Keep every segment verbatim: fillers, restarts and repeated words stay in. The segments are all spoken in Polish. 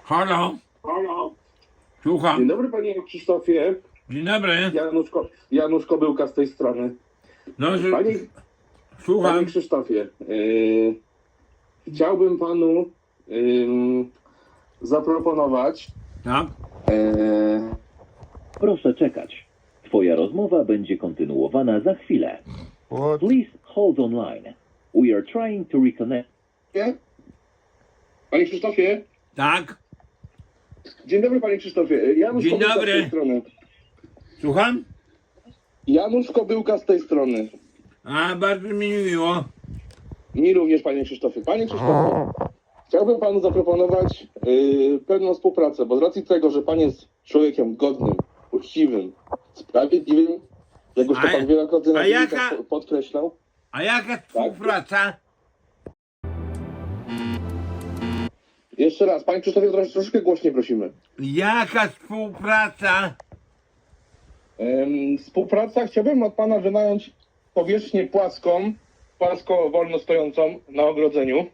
Halo, Halo. Dzień słucham. dobry panie Krzysztofie. Dzień dobry. Janusz, Ko- Janusz Kobyłka z tej strony. No, że- Panie, panie słucham. Krzysztofie, yy, chciałbym panu yy, zaproponować. Tak? Yy, Proszę czekać. Twoja rozmowa będzie kontynuowana za chwilę. What? Please hold online. We are trying to reconnect. nie? Panie Krzysztofie. Tak? Dzień dobry panie Krzysztofie. Janusz Dzień Kobyłka dobry. z tej strony. Słucham? Janusz Kobyłka z tej strony. A, bardzo mi miło. Mi również panie Krzysztofie. Panie Krzysztofie. Chciałbym panu zaproponować yy, pewną współpracę, bo z racji tego, że pan jest człowiekiem godnym, uczciwym, sprawiedliwym, jak już to A- pan wielokrotnie na a filmikach jaka- po- podkreślał. A jaka współpraca? Jeszcze raz, panie Krzysztofie, trosz, troszkę głośniej prosimy. Jaka współpraca? Ym, współpraca, chciałbym od pana wynająć powierzchnię płaską, płasko wolno stojącą na ogrodzeniu.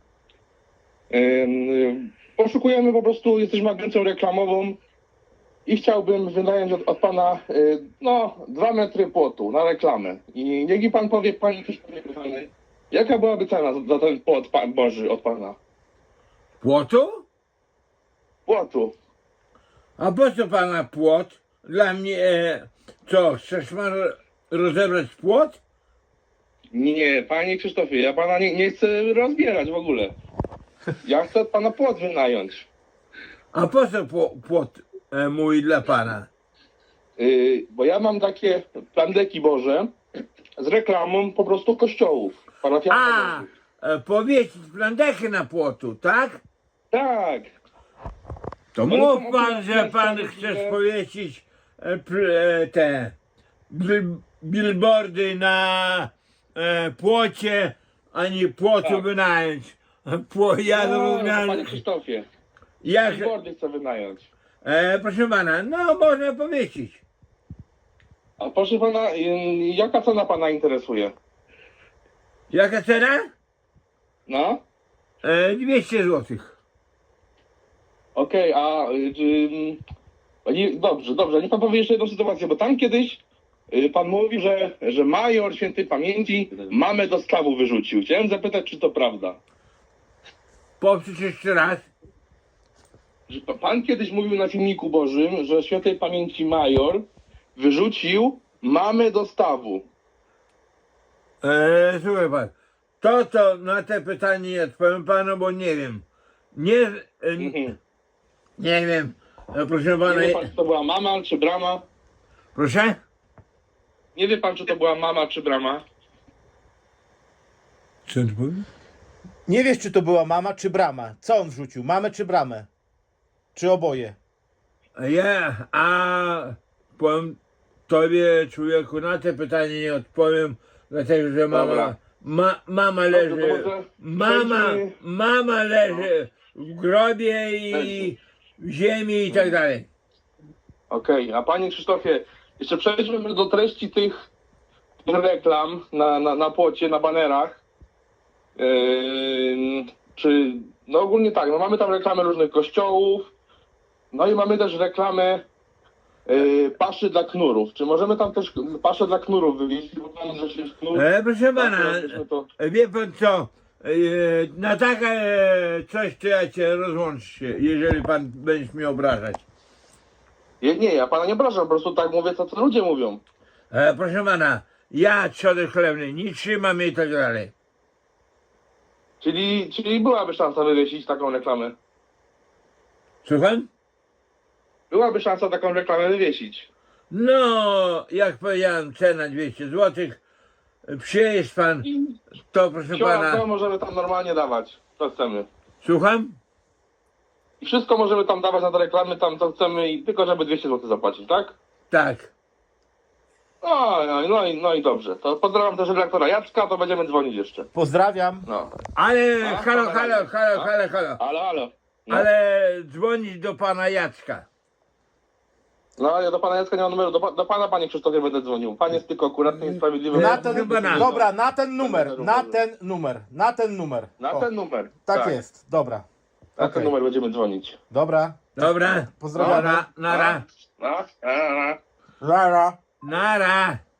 Ym, poszukujemy po prostu, jesteśmy agencją reklamową i chciałbym wynająć od, od pana y, no, dwa metry płotu na reklamę. I niech mi pan powie, panie Krzysztofie, kochany, jaka byłaby cena za, za ten płot pan Boży od pana? Płotu? Płotu. A po co pana płot? Dla mnie, e, co, chcesz pan ro- rozebrać płot? Nie, panie Krzysztofie, ja pana nie, nie chcę rozbierać w ogóle. Ja chcę od pana płot wynająć. A po co pło- płot e, mój dla pana? Yy, bo ja mam takie plandeki Boże z reklamą po prostu kościołów A, parafialnych. e, powiesić plandechy na płotu, tak? Tak. To Ale mów to pan, akurat że jest pan tak, chcesz że- powiesić e, pl- e, te bil- billboardy na e, płocie, a nie płotu Tak. wynająć. Pło, ja No, zrozumiałem. panie Krzysztofie, Jak, billboardy chcę wynająć. e, proszę pana, no można powiesić. A proszę pana, yy, jaka cena pana interesuje? Jaka cena? No? E, dwieście złotych. Okej, a yy, czy- nie, dobrze, dobrze, niech pan powie jeszcze jedną sytuację, bo tam kiedyś yy, pan mówi, że, że major świętej pamięci mamę do stawu wyrzucił. Chciałem zapytać, czy to prawda. Powtórz jeszcze raz. Że pa- Pan kiedyś mówił na filmiku Bożym, że świętej pamięci major wyrzucił mamę do stawu. E, słuchaj pan, to to na te pytanie nie odpowiem panu, bo nie wiem. Nie, e, Mhm. nie wiem, e, proszę Nie pana. wie pan, czy to była mama, czy brama? Proszę? Nie wie pan, czy to była mama, czy brama? Co ty powiesz? Nie wiesz, czy to była mama, czy brama. Co on wrzucił? Mamę, czy bramę? Czy oboje? Ja, a powiem tobie, człowieku, na te pytanie nie odpowiem, dlatego że mama, Dobra. ma, mama Dobrze, leży, to może mama, przejdźmy- mama leży w grobie i Leży. w ziemi i tak dalej. Okej, a panie Krzysztofie, jeszcze przejdźmy do treści tych reklam na, na, na płocie, na banerach. Yy, czy, no ogólnie tak, no mamy tam reklamy różnych kościołów, no i mamy też reklamę yy, paszy dla knurów. Czy możemy tam też paszę dla knurów wywieźć? Bo tam rzecz jest knur. E, proszę pana, Tak, żebyśmy to- e, wie pan co, e, na takie e, coś to ja cię rozłączę się, jeżeli pan będziesz mnie obrażać. Nie, nie, ja pana nie obrażam, po prostu tak mówię, co, co ludzie mówią. E, proszę pana, ja trzody chlewnej nie trzymam i tak dalej. Czyli, czyli byłaby szansa wywiesić taką reklamę. Słucham? Byłaby szansa taką reklamę wywiesić. No, jak powiedziałem, cena dwieście złotych. Przyjeźdź pan, I to proszę to pana. możemy tam normalnie dawać, co chcemy. Słucham? I wszystko możemy tam dawać na te reklamy, tam co chcemy, i tylko żeby dwieście złotych zapłacić, tak? Tak. No, no, no, i, no i dobrze. To pozdrawiam też redaktora Jacka, to będziemy dzwonić jeszcze. Pozdrawiam. No. Ale A, halo, pana halo, Jacka. halo, A? halo, halo. Ale, ale. No, Ale dzwonić do pana Jacka. no ja do pana Jacka nie mam numeru, do, pa- do pana, panie Krzysztofie, będę dzwonił. Pan jest tylko akuratny i sprawiedliwy. Na No, ten, chyba na- dobra, na ten numer, na ten numer, na ten numer. Na O, ten numer. tak jest, dobra. Na Okej. ten numer będziemy dzwonić. Dobra. Dobra. Pozdrawiamy. Nara, nara, No, no, no. Lara. nara.